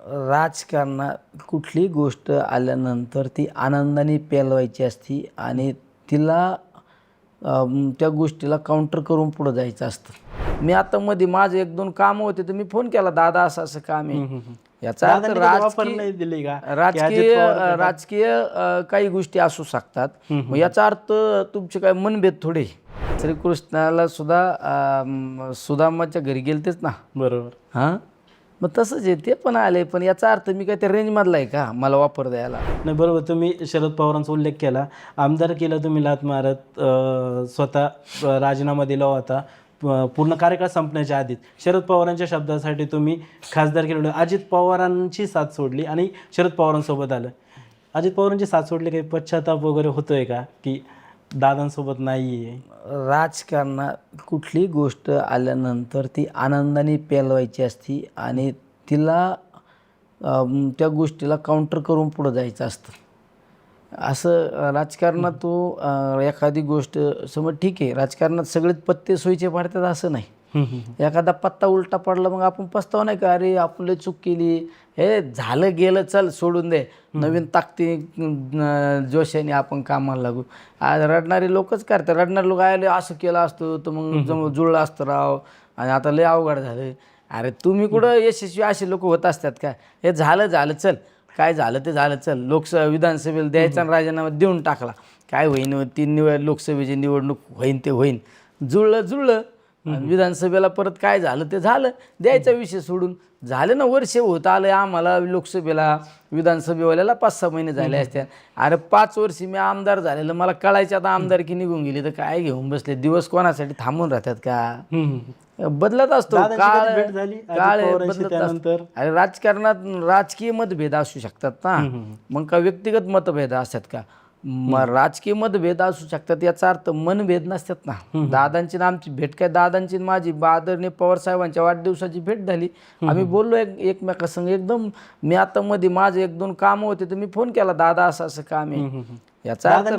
राजकारणात कुठली गोष्ट आल्यानंतर ती आनंदाने पेलवायची असती आणि तिला त्या गोष्टीला काउंटर करून पुढं जायचं असतं. मी आता मध्ये माझे 1-2 कामं होते तर मी फोन केला, दादा असं असं काम आहे. याचा अर्थ राजकीय काही गोष्टी असू शकतात. मग याचा अर्थ तुमचे काय मनभेद थोडे. श्रीकृष्णाला सुद्धा सुदामाच्या घरी गेलतेच ना, बरोबर. हां, मग तसंच आहे, ते पण आले. पण याचा अर्थ मी काय त्या रेंजमधला आहे का मला वापर द्यायला? नाही, बरोबर. तुम्ही शरद पवारांचा उल्लेख केला. आमदार केला तुम्ही लात मारत, स्वतः राजीनामा दिला होता पूर्ण कार्यकाळ संपण्याच्या आधीच. शरद पवारांच्या शब्दासाठी तुम्ही खासदार केलं. अजित पवारांची साथ सोडली आणि शरद पवारांसोबत आलं. अजित पवारांची साथ सोडली, काही पश्चाताप वगैरे होतोय का की दादांसोबत नाही आहे? राजकारणात कुठली गोष्ट आल्यानंतर ती आनंदाने पेलवायची असती आणि तिला त्या गोष्टीला काउंटर करून पुढं जायचं असतं. असं राजकारणात तो एखादी गोष्ट समज ठीक आहे, राजकारणात सगळेच पत्ते सोयीचे पाडतात असं नाही. एखादा पत्ता उलटा पडला मग आपण पस्ताव नाही का, अरे आपण चूक केली, हे झालं गेलं, चल सोडून दे, नवीन ताकदी जोशाने आपण कामाला लागू. आज रडणारे लोकच करतात. रडणारे लोक आले असं केलं असतं तर मग जुळलं असतं राव, आणि आता लय अवघड झालं. अरे तुम्ही कुठं यशस्वी असे लोक होत असतात का? हे झालं चल, काय झालं ते झालं, चल विधानसभेला द्यायचा आणि राजीनामा देऊन टाकला, काय होईन, 3 लोकसभेची निवडणूक होईन, जुळलं. विधानसभेला परत काय झालं ते झालं, द्यायचा विषय सोडून. झालं ना, वर्ष होत आलं आम्हाला लोकसभेला, विधानसभेवाल्याला 5-6 महिने झाले असत्या. अरे 5 वर्षी मी आमदार झालेलं, मला कळायचं आता आमदारकी निघून गेली तर काय घेऊन बसले. दिवस कोणासाठी थांबून राहतात का? बदलत असतो काळ बदलत असतो. अरे राजकारणात राजकीय मतभेद असू शकतात ना, मग का व्यक्तिगत मतभेद असतात का? राजकीय मतभेद असू शकतात, याचा अर्थ मनभेद नसतात ना. दादांची ना आमची भेट काय, दादांची माझी आदरणीय पवार साहेबांच्या वाढदिवसाची भेट झाली. आम्ही बोललो एकमेकासंग एकदम. मी आता मध्ये माझे 1-2 कामं होते तर मी फोन केला, दादा असं असं काम आहे. याचा अर्थ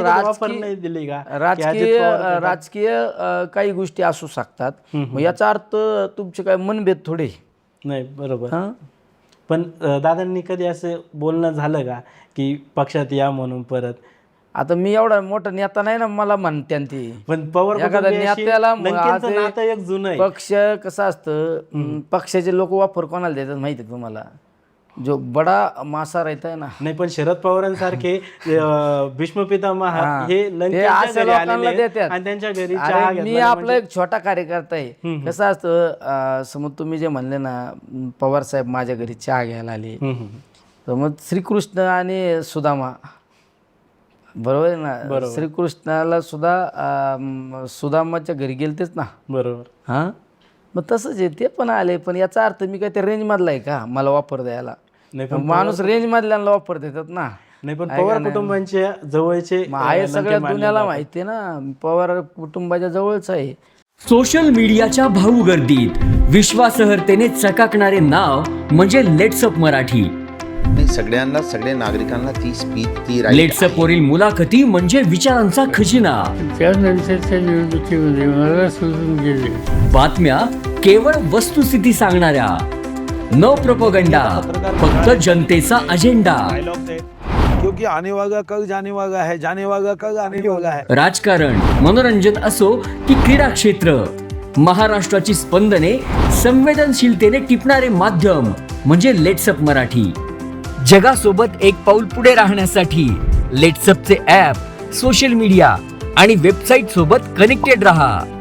राजकीय काही गोष्टी असू शकतात. मग याचा अर्थ तुमचे काय मनभेद थोडे नाही. बरोबर. पण दादांनी कधी असं बोलणं झालं का की पक्षात या म्हणून परत? आता मी एवढा मोठा नेता नाही ना, मला म्हणते ती. पण पवार एखाद्या नेत्याला पक्ष कसं असतं, पक्षाचे लोक वापर कोणाला देतात माहिती आहे तुम्हाला? जो बडा मासा रहता है ना. नाही, पण शरद पवारांसारखे भीष्म पितामह हे लोकांना देतात आणि त्यांच्या घरी मी आपला एक छोटा कार्यकर्ता आहे. कसं असतं, समज तुम्ही जे म्हणले ना, पवार साहेब माझ्या घरी चहा घ्यायला आले, तर मग श्रीकृष्ण आणि सुदामा, बरोबर आहे ना, श्रीकृष्णाला सुद्धा सुदामाच्या घरी गेलतेच ना, बरोबर. हां, मग तसंच आहे, ते पण आले. पण याचा अर्थ मी काय त्या रेंजमधला आहे का मला वापर द्यायला? माणूस रेंजमधल्याला वापर देतात ना. नाही, पण पवार कुटुंबांच्या जवळचे आहे, सगळ्या दुनियाला माहिती आहे ना, पवार कुटुंबाच्या जवळच आहे. सोशल मीडियाच्या भाऊ गर्दीत विश्वासार्हतेने चकाकणारे नाव म्हणजे लेट्सअप मराठी. सगळ्या नागरिकांना ती स्पीच, ती लेट्सअप वरील मुलाखती म्हणजे विचारांचा खजिना. त्यानंतरच्या निवडणुकीमध्ये मला सोडून गेले. बातम्या केवळ वस्तुस्थिती सांगणाऱ्या, न प्रोपगंडा, फक्त जनतेचा अजेंडा. क्योंकि आने वाला कल जाने वाला है, जाने वाला कल आने वाला है. राजकारण, मनोरंजन असो की क्रीडा क्षेत्र, महाराष्ट्राची स्पंदने संवेदनशीलतेने टिपणारे माध्यम म्हणजे लेट्सअप मराठी. जगासोबत एक पाऊल पुढे राहण्यासाठी लेट्सअपचे ॲप, सोशल मीडिया आणि वेबसाईट सोबत कनेक्टेड रहा.